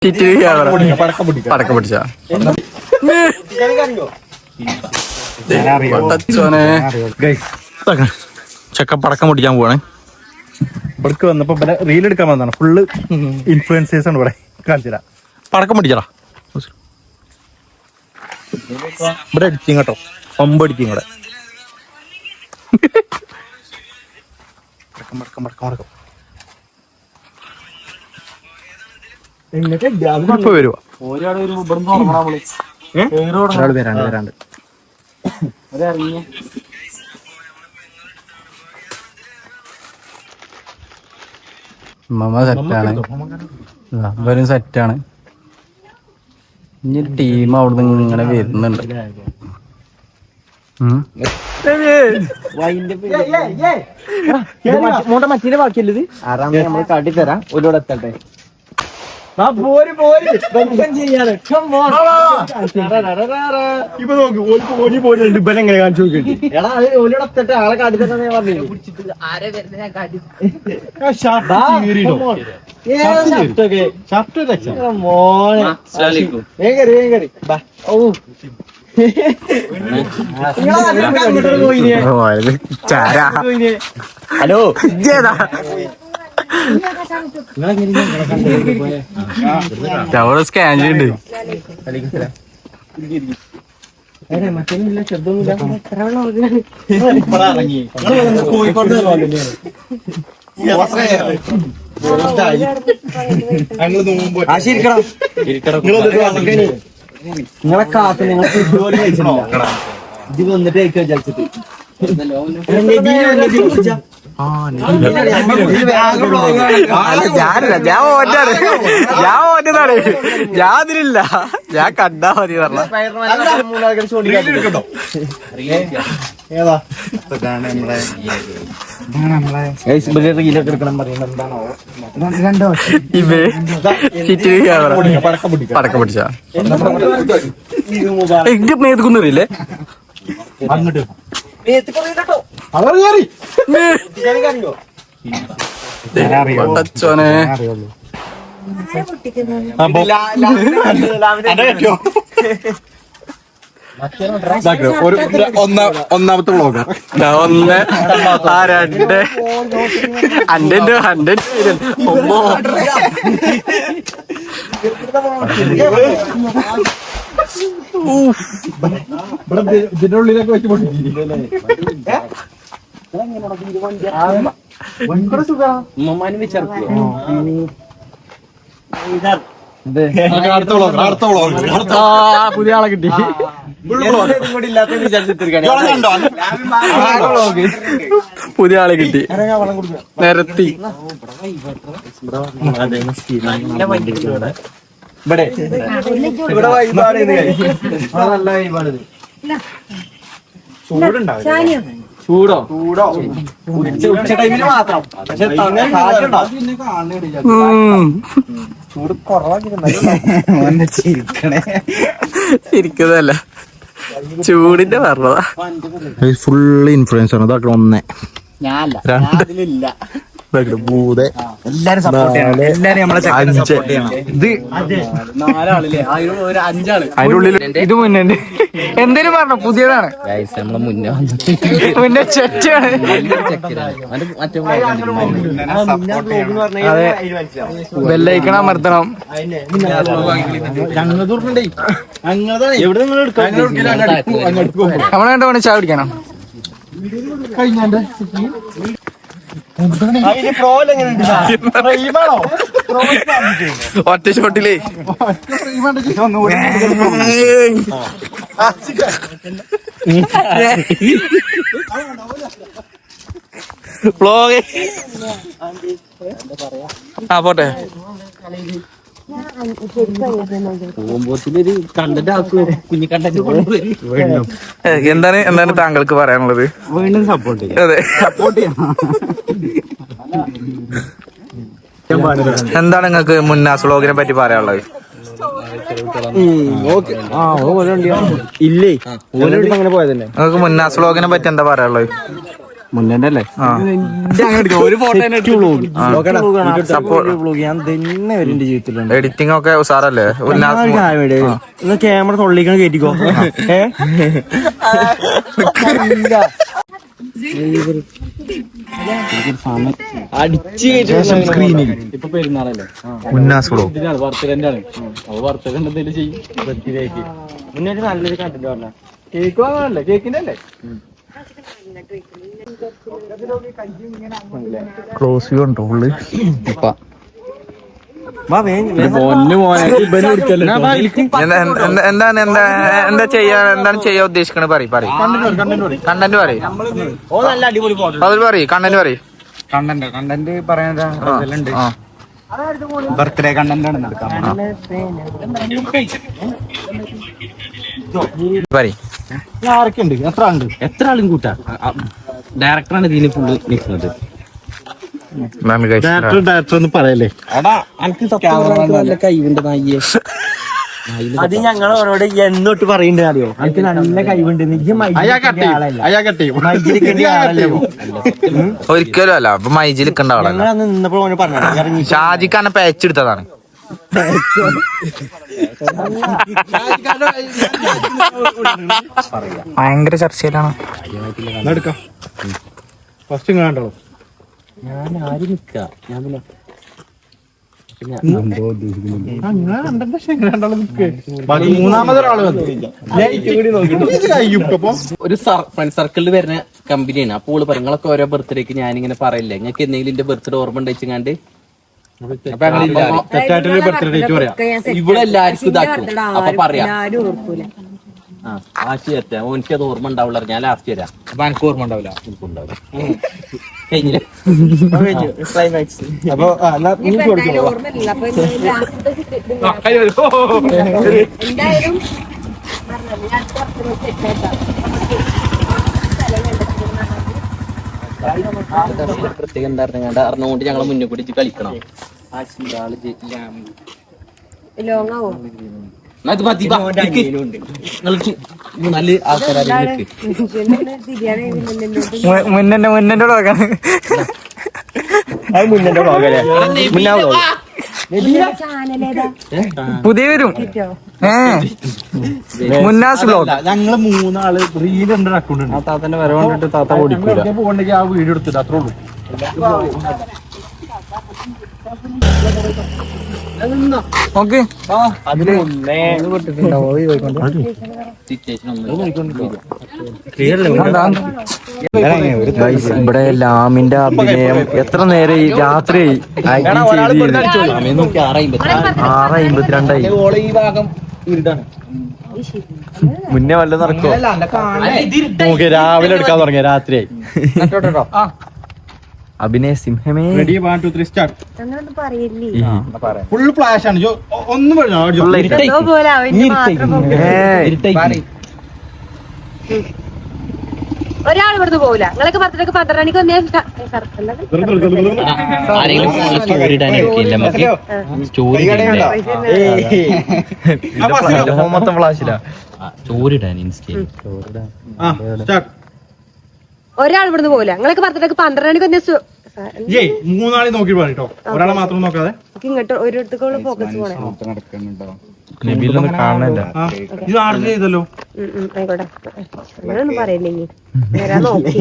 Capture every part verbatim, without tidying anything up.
പടക്കം പിടിച്ച ചെക്ക പടക്കം പൊട്ടിക്കാൻ പോവാണ്. ഇവിടേക്ക് വന്നപ്പോ റീൽ എടുക്കാൻ വന്നതാണ്. ഫുള്ള് ഇൻഫ്ലുവൻസേഴ്സ് ആണ് ഇവിടെ. കാണിച്ചില്ല പടക്കം പൊട്ടിച്ചടാ. ഇവിടെ അടിക്കും കേട്ടോ, പമ്പ് അടിക്കും ഇവിടെ. പടക്കം പടക്കം പടക്കം പടക്കം ഇപ്പൊ വരുവാ. ഒരാൾ വരാണ്ട് വരാണ്ട് മമ്മ സെറ്റാണ്, ഇവരും സെറ്റാണ്. ഇനി ടീം അവിടുന്ന് ഇങ്ങനെ വരുന്നുണ്ട്. മറ്റേ ബാക്കിയല്ലത് ആറാം നമ്മൾ കാട്ടിത്തരാം. ഒരുപാട് എത്തട്ടെ ഇപ്പൊ നോക്ക് ഓടി പോയിട്ട് ഇബലെങ്ങനെ കാണിച്ചു നോക്കിട്ട് എടാ ഓലോട് എത്തട്ടെ ആളെ കാട്ടിത്തരാന്ന് ഞാൻ പറഞ്ഞു. ഹലോ ഞമ്മള് സ്കാൻ ചെയ്യുന്നുണ്ട്. നിങ്ങളെ കാത്ത് നിങ്ങൾ ഇത് വന്നിട്ട് വിചാരിച്ചിട്ട് ഞാനില്ല, ഞാൻ ഓറ്റാണ്, ഞാൻ ഓറ്റതാണ്, ഞാൻ അതിലില്ല, ഞാൻ കണ്ടാ മതി പറഞ്ഞ. റീലൊക്കെ എടുക്കണം പറയുന്നത് എന്താണോ? പടക്കം പിടിച്ചാ എനിക്ക് മേത്തുക്കുന്നില്ലേ? അങ്ങോട്ട് പടച്ചോനെ ഒന്നാമത്തെ വ്ളോഗർ ഒന്ന് ആ രണ്ട് അന്റെ അന്റെ ഒമ്പോ ഇതിന്റെ ഉള്ളിലൊക്കെ വെച്ച് പൊട്ടിച്ചില്ലേ? പുതിയ ആളെ കിട്ടി. പുതിയ ആളെ കിട്ടി, നിരത്തി. ഇവിടെ ഇവിടെ വൈബാണ്. നല്ല വൈബാണ്. ചൂടുണ്ടാവും. ചൂടോ ചൂടോ ഉച്ച ടൈമില് മാത്രം. പക്ഷെ ചൂട് കുറവാക്കിട്ടുണ്ടേ. ഇരിക്കുന്നതല്ല, ചൂടിന്റെ പറഞ്ഞതാ. ഫുള്ള് ഇൻഫ്ലുവൻസ് ആണ്. അതൊക്കെ ഒന്ന് രണ്ട് ഭൂതെ എല്ലാരും സപ്പോർട്ട് ചെയ്യണം. എല്ലാരും നമ്മളെ സപ്പോർട്ട് ചെയ്യണം. ഇത് നാലാളില്ലേ? ഒരു അഞ്ചാള് അതിന്റെ ഉള്ളിൽ ഇത് മുന്നേ എന്തേലും പറഞ്ഞോ? പുതിയതാണ് നമ്മളെ മുന്നേ മുന്നേ ചെറ്റാണ്. അതെ, ബെല്ലൈക്കൺ അമർത്തണം. നമ്മളെ കണ്ട വേണം ചായ കുടിക്കണം. ഒറ്റ ഷോട്ടിലേ ആ പോട്ടെ. എന്താണ് എന്താണ് താങ്കൾക്ക് പറയാനുള്ളത്? വീണ്ടും സപ്പോർട്ട് ചെയ്യാം. അതെ, സപ്പോർട്ട് ചെയ്യണം. എന്താണ് നിങ്ങൾക്ക് മുന്നാസ് വ്ളോഗിനെ പറ്റി പറയാനുള്ളത്? ഇല്ലേ അങ്ങനെ പോയതല്ലേ. നിങ്ങൾക്ക് മുന്നാസ് വ്ളോഗിനെ പറ്റി എന്താ പറയാനുള്ളത്? മുന്നേ അല്ലേ ഒരു ഫോട്ടോ എഡിറ്റിംഗ് ഒക്കെ ഉസാറല്ലേ ക്യാമറ തൊള്ളിക്കണ കേറ്റിക്കോ ഇപ്പൊ പെരുന്നാളല്ലേ മുന്നേ നല്ലൊരു കണ്ടന്റ് പറഞ്ഞ കേക്ക് വാങ്ങാനല്ലേ കേക്കിന്റെ അല്ലേ ക്ലോസ് വ്യൂ ഉണ്ടോ ഉള്ളു എന്താണ് എന്താ എന്താ ചെയ്യാ എന്താണ് ചെയ്യാൻ ഉദ്ദേശിക്കണത് പറയും പറയും കണ്ടന്റ് പറയും അതിൽ പറയും കണ്ടന്റ് പറയും കണ്ടന്റ് കണ്ടന്റ് പറയാനുണ്ട് ബർത്ത്ഡേ കണ്ടന്റ് ആണ് പറയും ആരൊക്കെ ഉണ്ട് എത്ര ആളുണ്ട് എത്ര ആളും കൂട്ടാ ഡയറക്ടറാണ് ഇതിന് ഫുള്ള് നിൽക്കുന്നത് ഡയറക്ടർ ഡയറക്ടർ ഒന്ന് പറയല്ലേ നല്ല കൈവുണ്ട് നായിയെ അത് ഞങ്ങൾ അവരോട് എന്നോട്ട് പറയണ്ടേ അറിയോ എനിക്ക് നല്ല കൈവുണ്ട് ഒരിക്കലും അല്ല അപ്പൊ മൈജിൽ നിൽക്കേണ്ട ആളല്ല നിന്നപ്പോൾ പറഞ്ഞു ഷാജിക്കാനെ പേച്ചെടുത്തതാണ് ഭയങ്കര ചർച്ചയിലാണ് ഫസ്റ്റ് കണ്ടോ ഞാൻ ആര് നിക്ക ഞാൻ പിന്നെ ഒരു ഫ്രണ്ട് സർക്കിളിൽ വരുന്ന കമ്പനിയാണ്. അപ്പോൾ ഓള് പറയും നിങ്ങളൊക്കെ ഓരോ ബർത്ത്ഡേക്ക് ഞാനിങ്ങനെ പറയില്ലേ നിങ്ങൾക്ക് എന്തെങ്കിലും എന്റെ ബർത്ത്ഡേ ഓർമ്മ ഉണ്ടെച്ചാണ്ട് ഇവിടെ എല്ലാവർക്കും ഇതാക്കും. അപ്പൊ പറയാം ആ ലാസ്റ്റ് തരട്ടെ ഓനിക്ക് അത് ഓർമ്മ ഉണ്ടാവില്ല. ഞാൻ ലാസ്റ്റ് തരാം. അപ്പൊ എനിക്ക് ഓർമ്മ ഉണ്ടാവില്ല. എനിക്ക് ഉണ്ടാവില്ല. കഴിഞ്ഞില്ലേ ക്ലൈമാക്സ്. അപ്പൊ പ്രത്യേകം എന്താ അറിഞ്ഞുകൊണ്ട് ഞങ്ങളെ മുന്നേ പിടിച്ച് കളിക്കണം. നല്ല ആൾക്കാരെ മുന്നെ മുന്നെ വ്ളോഗാണ് മുന്നേ വ്ളോഗല്ലേ മുന്നാ വ്ളോഗ് പുതിയ വരും മുന്നാസ് വ്ളോഗ്. ഞങ്ങള് മൂന്നാള് റീൽ ഉണ്ട് അക്കൗണ്ട് ഉണ്ട്. താത്തന്റെ വരവുണ്ടിട്ട് താത്ത ഓടിക്കൂല. പോകണ്ടെങ്കിൽ ആ വീഡിയോ എടുത്തിട്ട് അത്രേ ഉള്ളൂ. ഓക്കെ അതിന് മുന്നേ ഇവിടെ ലാമിന്റെ അഭിനയം എത്ര നേരം രാത്രി ആറ് അമ്പത്തിരണ്ടായി. മുന്നേ വല്ല നടക്കോ നമുക്ക് രാവിലെ എടുക്കാൻ തുടങ്ങിയ രാത്രിയായി. അഭിനയ സിംഹമേ. Ready one two three start. Full flash ആണ്. ഒന്നും ഒരാൾ ഇവിടുന്ന് പോവില്ല. നിങ്ങളൊക്കെ പത്തരക്ക് പന്ത്രണ്ട് മണിക്ക് വന്നേ മൊത്തം ഫ്ലാഷില്ല. ഒരാൾ ഇവിടുന്ന് പോവില്ല. നിങ്ങളൊക്കെ പത്തരക്ക് പന്ത്രണ്ട് മണിക്ക് വന്നേ മൂന്നാളെ നോക്കി പറഞ്ഞോ. ഒരാളെ മാത്രം നോക്കാതെ ഇങ്ങോട്ട് ഒരിടത്തേക്കുള്ള ഫോക്കസ് പോണേ. കാണാനില്ല. ഇത് ആർക്കും ചെയ്തല്ലോ. ആയിക്കോട്ടെ അങ്ങനെയൊന്നും പറയില്ലെങ്കിൽ വരാൻ നോക്കി.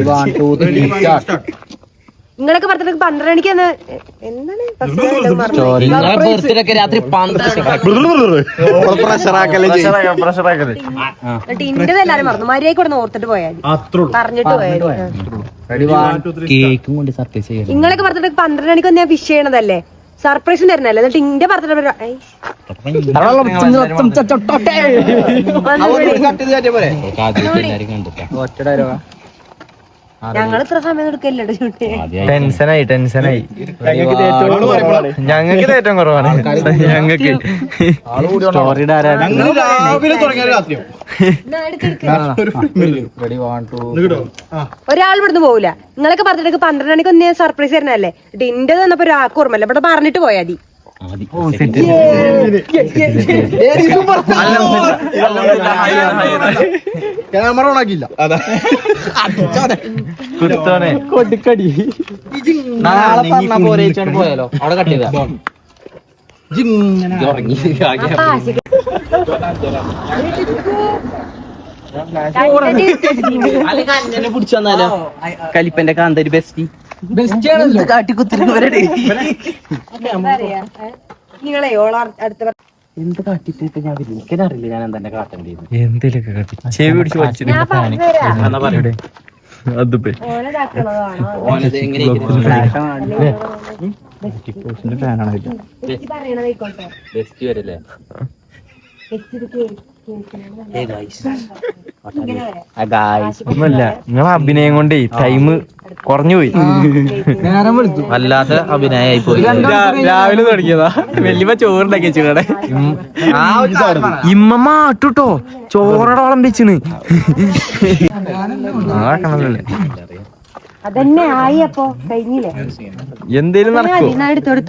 നിങ്ങളൊക്കെ പത്തരക്ക് പന്ത്രണ്ട് മണിക്ക് വന്ന് എന്താണ് രാത്രി ഇന്റെ എല്ലാരും മറന്നു. മര്യാദ കൊടുന്ന് ഓർത്തിട്ട് പോയാൽ പറഞ്ഞിട്ട് പോയാൽ. കേക്കും കൊണ്ട് സർപ്രൈസ് ചെയ്യാം. നിങ്ങളൊക്കെ പത്തരക്ക് പന്ത്രണ്ട് മണിക്ക് വന്ന് ഞാൻ ഫിഷ് ചെയ്യണതല്ലേ, സർപ്രൈസും തരുന്നല്ലേ. എന്നിട്ട് ഇന്റെ ബർത്ത്ഡേ ഞങ്ങൾ ഇത്ര സമയം എടുക്കല്ലോ ഷൂട്ട്. ടെൻഷനായി ടെൻഷനായി ഞങ്ങൾക്ക് ഏറ്റവും കുറവാണ്. ഞങ്ങൾക്ക് ഒരാൾ ഇവിടുന്ന് പോവില്ല. നിങ്ങളൊക്കെ പറഞ്ഞിട്ട് പന്ത്രണ്ട് മണിക്ക് ഒന്ന് സർപ്രൈസ് തരുന്നല്ലേ. ഇന്റെ തന്നപ്പോ ഒരാൾക്ക് ഓർമ്മല്ല. ഇവിടെ പറഞ്ഞിട്ട് പോയാ മതി. ക്യാമറ ഓൺ ആക്കിയില്ല അതാ കൊടുക്കടി നാളെ പറഞ്ഞ പോലെ പോയാലോ അവിടെ കട്ട് ചെയ്താ ഉറങ്ങി പിടിച്ചു വന്നാലോ കലിപ്പന്റെ കാന്തരി ബെസ്റ്റി കാട്ടിക്കുത്തിരി നിങ്ങളെ ഓള അടുത്ത എന്ത് കാട്ടിട്ട് ഞാൻ എനിക്കറിയില്ല ഞാൻ എന്താ കാട്ടേണ്ടത് എന്തേലൊക്കെ കാട്ടി ചെവി പിടിച്ച് വലിച്ചിട്ട് ഞാൻ പറഞ്ഞുതരാം എന്നാ പറയട്ടെ അതിപ്പോ ഓനെ ഇതാക്കണതാണോ ഓനത് എങ്ങനെ ഫാനാണ് എനിക്ക് പറയണതായിക്കോട്ടെ ബെസ്റ്റ് വരല്ലേ ഒന്നുമല്ല നിങ്ങളെ അഭിനയം കൊണ്ടേ ടൈം കുറഞ്ഞു പോയി വല്ലാത്ത അഭിനയായി പോയി രാവിലെ തുടങ്ങിയതാ വലിയ ചോറുണ്ടാക്കി വെച്ചിടെ ഇമ്മ മാട്ടുട്ടോ ചോറോളം വെച്ചിന് അതന്നെ ആയി അപ്പൊ കഴിഞ്ഞില്ലേ എന്തേലും നടക്കോ എടുത്തെടുത്തു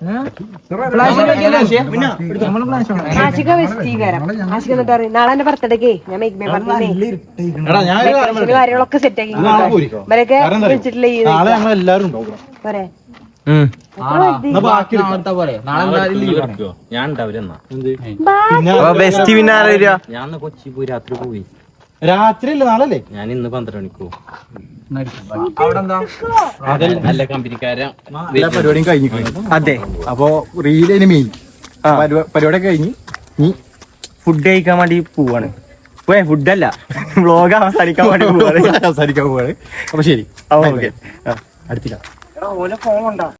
ആശിക വെസ്റ്റീകരം ആശിക എന്നിട്ട് പറയും നാളെ എന്റെ ബർത്ത്ഡേക്ക് ഞാൻ മേക്ക് മേ പറഞ്ഞേ കാര്യങ്ങളൊക്കെ സെറ്റ് ആക്കി ഇവരൊക്കെ വിളിച്ചിട്ടില്ല ഈ പോരെ ഞാൻ ഉണ്ടാവില്ല ബെസ്റ്റ് പിന്നെ ആരാ വരിക ഞാൻ കൊച്ചി പോയി രാത്രി പോയി രാത്രി അല്ലേ നാളല്ലേ ഞാൻ ഇന്ന് പന്ത്രണ്ട് മണിക്കോ നല്ല കമ്പനിക്കാര പരിപാടിയും കഴിഞ്ഞു അതെ അപ്പൊ റീലിന് മെയിൻ പരിപാടിയൊക്കെ കഴിഞ്ഞ് നീ ഫുഡ് കഴിക്കാൻ വേണ്ടി പോവാണ് പോയെ ഫുഡല്ല വ്ലോഗ് അവസാനിക്കാൻ വേണ്ടി പോവാണ് അവസാനിക്കാൻ പോവാണ് അപ്പൊ ശരി ഓക്കെ അടുത്തില്ല